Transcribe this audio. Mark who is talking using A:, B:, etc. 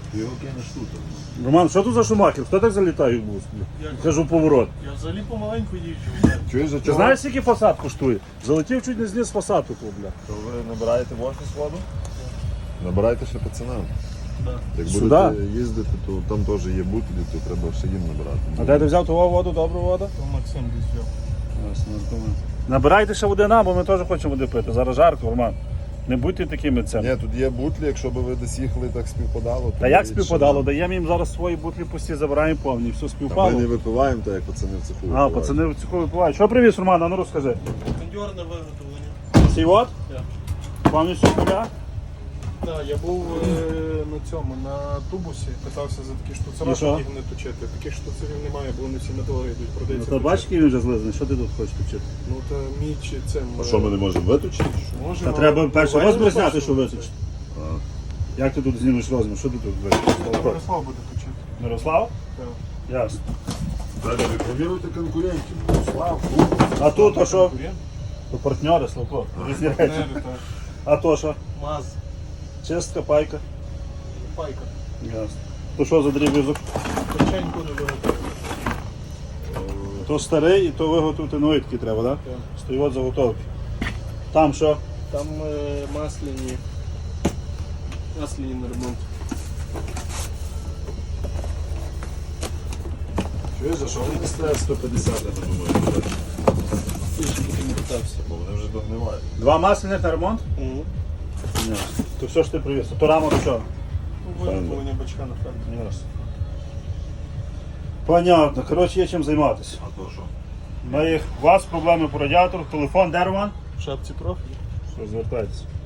A: Його кинеш тут.
B: Роман, що тут за шумахер? Хто так залітає в бус? Кажу поворот.
C: Я взагалі помаленьку їжджу.
A: Чуєш, за
B: Ти
A: чого?
B: знаєш, скільки фасад коштує? Залетів чуть не зліз фасаду, бля.
A: То ви набираєте в офіс воду? Набирайте ще пацанам.
C: Да.
A: Як
B: Сюди?
A: будете їздити, то там теж є бутилі, то треба ще їм набирати.
B: А де ти взяв ту воду, добру воду?
C: То Максим десь взяв.
B: Набирайте ще води нам, бо ми теж хочемо води пити. Зараз жарко, Роман. Не будьте такими цими.
A: Ні, тут є бутлі, якщо б ви десь їхали, так співпадало. то
B: Та як
A: навіть
B: співпадало?
A: ще-
B: Даємо їм зараз свої бутлі пусті, забираємо повні, все
A: Та ми
B: співпало.
A: не випиваємо, так як пацани в цеху.
B: А,
A: випивають.
B: пацани в цьому випивають. Що привіз, Роман? А ну розкажи.
C: Кондьорне виготовлення.
B: Сій от?
C: Так.
B: Повністю з нуля?
C: Так, я був на цьому, на тубусі, питався за такі штуцера,
B: І що?
C: щоб їх не точити. Таких штуцерів немає, бо вони всі на долари йдуть,
B: Ну,
C: продаються.
B: то бачиш, який він вже злизаний, що ти тут хочеш вчити?
C: Ну та міч цим.
A: А що ми не можемо виточити?
B: Та треба перший розмір зняти, що
C: виточити.
B: виточити. Як ти тут знімеш розмір? Що ти тут виточиш?
C: Мирослав буде точити.
B: Мирослав?
C: Так.
B: Ясно.
A: Далі ви провіруйте конкурентів. Слав.
B: А тут, а що?
C: Конкурент?
B: То партнери, Славко. Різні речі.
C: Партнери, так.
B: А то що?
C: Маз,
B: Чистка, пайка.
C: пайка.
B: Ясно. То що за дріб'язок?
C: Печеньку не виготовлю.
B: То старий і то виготовити новий такий треба, так?
C: Так.
B: Стоїть заготовки. Там що?
C: Там масляні на ремонт.
A: Чуєш, а що вони не стоять 150, я не думаю.
C: Я ще потім питався.
A: Бо вони вже догнивають.
B: Два масляних на ремонт? Ясно. То все ж ти привіз. То раму до чого?
C: Виготовлення бачка на фермі.
B: Ясно. Понятно. Коротше, є чим займатися.
A: А то що?
B: У вас проблеми по радіатору, телефон, де Роман?
C: В шапці профіль.
B: Що, звертайтеся.